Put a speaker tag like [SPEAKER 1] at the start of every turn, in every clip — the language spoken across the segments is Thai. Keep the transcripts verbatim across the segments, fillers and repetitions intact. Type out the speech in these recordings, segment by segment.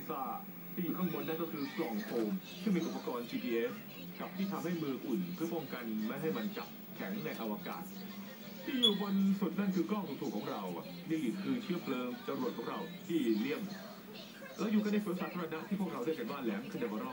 [SPEAKER 1] ซ่าที่อยู่ข้างบนนั่นก็คือกล่องโฟมที่มีอุปกรณ์ จี พี เอส กับที่ทำให้มืออุ่นเพื่อป้องกันไม่ให้มันจับแข็งในอวกาศที่อยู่บนสุดนั่นคือกล้องถูกๆของเราอ่ะนี่คือเชื้อเพลิงจรวดของเราที่เลี่ยมแล้วอยู่กันในสวนสาธารณะที่พวกเราเรียกกันว่าแหลมคาเดบาโร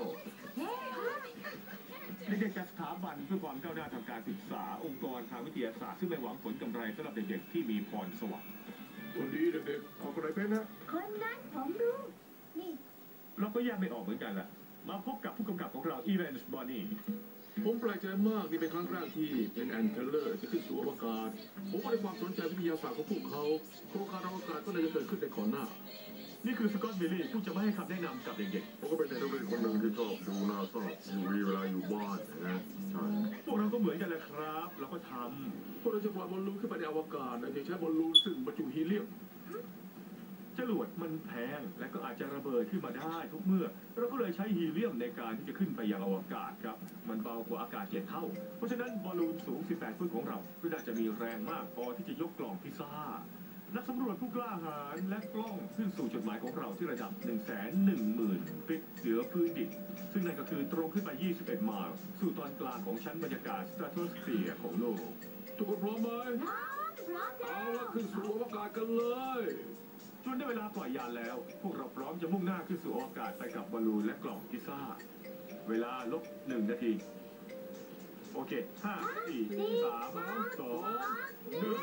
[SPEAKER 1] เด็กๆจากสถาบันเพื่อความก้าวหน้าทางการศึกษาองค์กรทางวิทยาศาสตร์ซึ่งไม่หวังผลกำไรสำหรับเด็กๆที่มีพรสวรรค์
[SPEAKER 2] คนดีเด็กๆเอาคนไหนเป็นนะ
[SPEAKER 3] คนนั้นผมรู้นี่
[SPEAKER 1] เราก็แยกไม่ออกเหมือนกันแหละมาพบกับผู้กำกับของเราอีแวนส์บอนนี่
[SPEAKER 2] ผมแปลกใจมากนี่เป็นครั้งแรกที่เป็นแอนเทเลอร์จะขึ้นสู่อวกาศผมก็ได้ความสนใจวิทยาศาสตร์ของพวกเขาโครงการอวกาศก็น่าจะเกิดขึ้นในก่อนหน้า
[SPEAKER 1] นี่คือสกอตต์บิลลี่ผู้จะไม่ให้คำแนะนำกับเด็ก
[SPEAKER 4] ๆผมก็เป็นเด็กนักเรียนคนหนึ่งที่ชอบดูนาซาอยู่วีเวลาอยู่บ้านนะใช่
[SPEAKER 1] พวกเราก็เหมือนกันแหละครับเราก็ท
[SPEAKER 2] ำพวกเราจะปล่อยบอลลูนขึ้นไปในอวกาศโดยใช้บอลลูนซึ่งบรรจุฮีเลียม
[SPEAKER 1] จรวดมันแพงและก็อาจจะระเบิดขึ้นมาได้ทุกเมื่อเราก็เลยใช้ฮีเลียมในการที่จะขึ้นไปยังอวกาศครับมันเบากว่าอากาศเจ็ดเท่าเพราะฉะนั้นบอลลูนสูงสิบแปดฟุตของเราก็น่าจะมีแรงมากพอที่จะยกกล่องพิซซ่านักสำรวจผู้กล้าหาญและกล้องขึ้นสู่จุดหมายของเราที่ระดับ หนึ่งแสนหนึ่งหมื่น ฟิตเหนือพื้นดินซึ่งนั่นก็คือตรงขึ้นไปยี่สิบเอ็ดไมล์สู่ตอนกลางของชั้นบรรยากาศสตราโตสเฟียร์ของโลก
[SPEAKER 2] ทุกคนพร้อมไหมเอาละขึ้นสู่อวกาศกันเลย
[SPEAKER 1] จนได้เวลาปล่อยยานแล้วพวกเราพร้อมจะมุ่งหน้าขึ้นสู่อวกาศไปกับบอลลูนและกล่องพิซซ่าเวลาลบหนึ่งนาทีโอเคห้าสี่สามสองหนึ่ง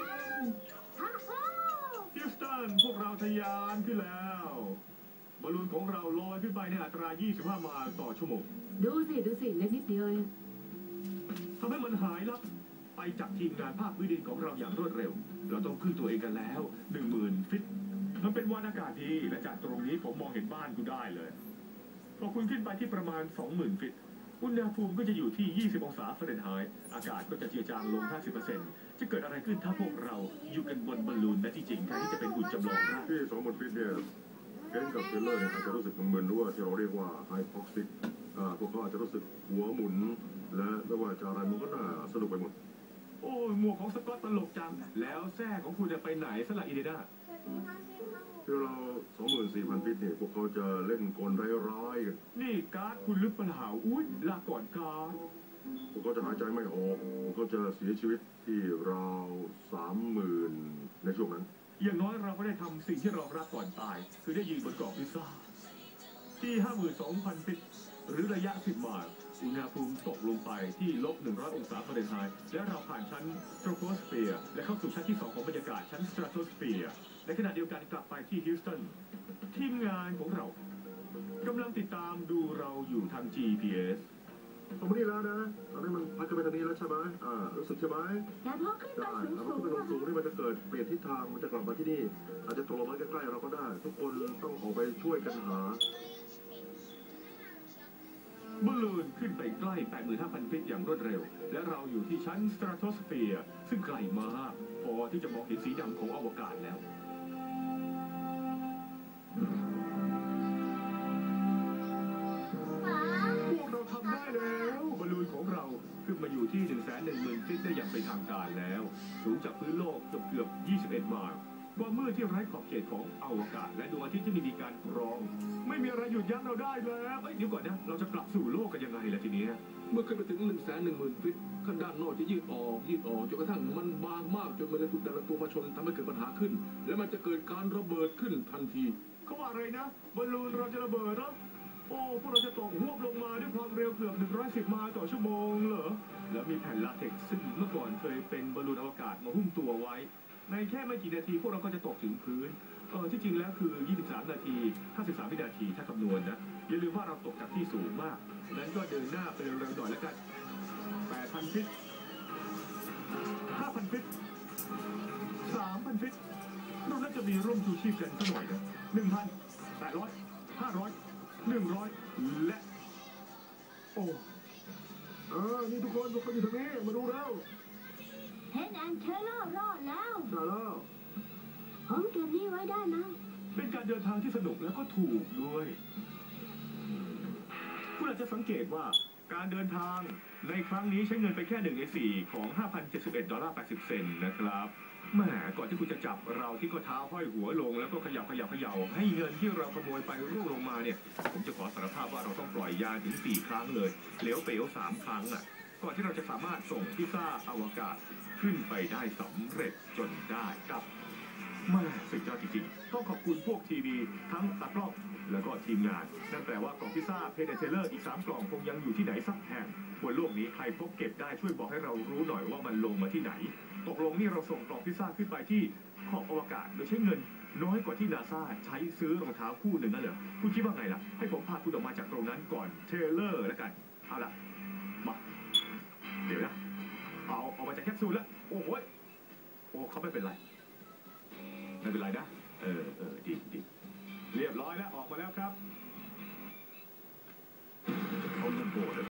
[SPEAKER 1] ฮิวสตันพวกเราทะยานขึ้นแล้วบอลลูนของเราลอยขึ้นไปในอัตรายี่สิบห้าไมล์ต่อชั่วโมง
[SPEAKER 3] ดูสิดูสิเล็กนิดเดียว
[SPEAKER 1] ทำให้มันหายลับไปจากทีมงานภาคพื้นดินของเราอย่างรวดเร็วเราต้องพึ่งตัวเองกันแล้วหนึ่งหมื่นฟิตมันเป็นวันอากาศดีและจากตรงนี้ผมมองเห็นบ้านคุณได้เลยพอคุณขึ้นไปที่ประมาณ สองหมื่น ฟิตอุณหภูมิก็จะอยู่ที่ยี่สิบองศาฟาเรนไฮต์อากาศก็จะเจือจางลง ห้าสิบเปอร์เซ็นต์ จะเกิดอะไรขึ้นถ้าพวกเราอยู่กันบนบอลลูนและที่จริงแทนที่จะเป็นหุ่นจำลองได้
[SPEAKER 4] ที่ สองหมื่น ฟิตเนี่ยเกนกับเทเลอร์เนี่ยอาจจะรู้สึกมึนๆหรือว่าที่เราเรียกว่าไฮพ็อกซิกพวกเขาอาจจะรู้สึกหัวหมุนและไม่ว่าจะอะไรมันก็น่าสนุกไปหมด
[SPEAKER 1] โอ้หมวกของสกอตตลกจังแล้วแท้ของคุณจะไปไหนสละอีเดด้า
[SPEAKER 4] ที่เรา สองหมื่นสี่พัน ฟิตเนี่ยพวกเขาจะเล่นกลร้ายๆกัน
[SPEAKER 1] นี่การ์ดคุณลึกปัญหาอุ้ยลาก่อนการ์ด
[SPEAKER 4] พวกเขาจะหายใจไม่ออกพวกเขาจะเสียชีวิตที่ราว สามหมื่น ในช่วงนั้น
[SPEAKER 1] อย่างน้อยเราก็ได้ทำสิ่งที่เรารักก่อนตายคือได้ยืนบนกล่องพิซซ่าที่ ห้าหมื่นสองพัน ฟิตหรือระยะสิบไมล์อุณหภูมิตกลงไปที่ลบหนึ่งร้อยองศาฟาเรนไฮต์และเราผ่านชั้นสตราโตสเฟียร์และเข้าสู่ชั้นที่สองของบรรยากาศชั้นสตราโตสเฟียร์ในขณะเดียวกันกลับไปที่ฮิวสตันทีมงานของเรากำลังติดตามดูเราอยู่ทาง จี พี เอส
[SPEAKER 4] ตรงนี้แล้วนะตอนนี้มันพัดขึ้นไปทางนี้แล้วใช่ไหมอ่ารู้สึกใช่ไหม
[SPEAKER 3] แต่พอขึ้นไปสูง
[SPEAKER 4] สูงขึ้นไปสูงนี่มันจะเกิดเปลี่ยนทิศทางมันจะกลับมาที่นี่อาจจะตกลงมาใกล้ๆเราก็ได้ทุกคนต้องออกไปช่วยกันหา
[SPEAKER 1] บอลลูนขึ้นไปใกล้ แปดหมื่นห้าพัน ฟิตอย่างรวดเร็วและเราอยู่ที่ชั้นสตราโตสเฟียร์ซึ่งไกลมากพอที่จะมองเห็นสีดำของอวกาศแล้วพวกเราทำได้แล้วบอลลูนของเราขึ้นมาอยู่ที่ หนึ่งแสนหนึ่งหมื่น ฟิตได้อย่างเป็นทางการแล้วสูงจากพื้นโลกเกือบๆยี่สิบเอ็ดไมล์ความมืดที่ไร้ขอบเขตของอวกาศและดวงอาทิตย์ที่ไม่มีการกรองไม่มีอะไรหยุดยั้งเราได้แล้วเอ้ยเดี๋ยวก่อนนะเราจะกลับสู่โลกกันยังไงล่ะทีนี้
[SPEAKER 2] เมื่อขึ้นไปถึง หนึ่งแสนหนึ่งหมื่น ฟิตข้างด้านนอกจะยืดออกยืดออกจนกระทั่งมันบางมากจนมันจะถูกแต่ละตัวมาชนทำให้เกิดปัญหาขึ้นและมันจะเกิดการระเบิดขึ้นทันที
[SPEAKER 1] เขาว่าอะไรนะบอลลูนเราจะระเบิดเหรอโอ้พวกเราจะตกหวบลงมาด้วยความเร็วเกือบหนึ่งร้อยสิบไมล์ต่อชั่วโมงเหรอแล้วมีแผ่นลาเท็กซ์ซึ่งเมื่อก่อนเคยเป็นบอลลูนอวกาศมาหุ้มตัวไว้ในแค่ไม่กี่นาทีพวกเราก็จะตกถึงพื้นเออที่จริงแล้วคือยี่สิบสามนาทีห้าสิบสามวินาทีถ้าคำนวณนะอย่าลืมว่าเราตกจากที่สูงมากนั้นก็เดินหน้าไปเร็วๆหน่อยแล้วกัน แปดพัน ฟิต ห้าพัน ฟิต สามพัน ฟิตเราน่าจะมีร่มชูชีพกันสักหน่อยนะ หนึ่งพัน แปดร้อย ห้าร้อย หนึ่งร้อยและโอ้
[SPEAKER 4] เออนี่ทุกคนทุกคนอยู่ตรงนี้มาดูแล้ว
[SPEAKER 3] เฮดแอนเทเลอร์รอดแล้ว
[SPEAKER 4] ได้แล้ว
[SPEAKER 3] ผมเก็บนี่ไว้ได้นะ
[SPEAKER 1] เป็นการเดินทางที่สนุกแล้วก็ถูกด้วยคุณอาจจะสังเกตว่าการเดินทางในครั้งนี้ใช้เงินไปแค่หนึ่งในสี่ของ ห้าพันเจ็ดสิบเอ็ด ดอลลาร์ แปดสิบ เซนต์นะครับแหมก่อนที่คุณจะจับเราที่ก็เท้าห้อยหัวลงแล้วก็ขยับขยับเขย่าให้เงินที่เราขโมยไปร่วงลงมาเนี่ยผมจะขอสารภาพว่าเราต้องปล่อยยาถึงสี่ครั้งเลยเหลวเป๋วสามครั้งอ่ะก่อนที่เราจะสามารถส่งพิซซ่าอวกาศขึ้นไปได้สำเร็จจนได้ครับแมาสุดยอดจริงๆต้องขอบคุณพวกทีวีทั้งตากล้องแล้วก็ทีมงานนั่นแปลว่ากล่องพิซซ่าเพนเทเลอร์อีกสามกล่องคงยังอยู่ที่ไหนสักแห่งบนโลกนี้ใครพบเก็บได้ช่วยบอกให้เรารู้หน่อยว่ามันลงมาที่ไหนตกลงนี่เราส่งกล่องพิซซ่าขึ้นไปที่ขอบอวกาศโดยใช้เงินน้อยกว่าที่นาซาใช้ซื้อรองเท้าคู่หนึ่งนั่นเหรอคุณคิดว่าไงล่ะให้ผมพาคุณออกมาจากตรงนั้นก่อนเทเลอร์แล้วกันเอาล่ะมาเดี๋ยวนะเอาออกมาจากแคปซูลแล้วโอ้โหโอ้เขาไม่เป็นไรไม่เป็นไรนะเออเออดีดีเรียบร้อยแล้วออกมาแล้วครับเขาจะโกรธ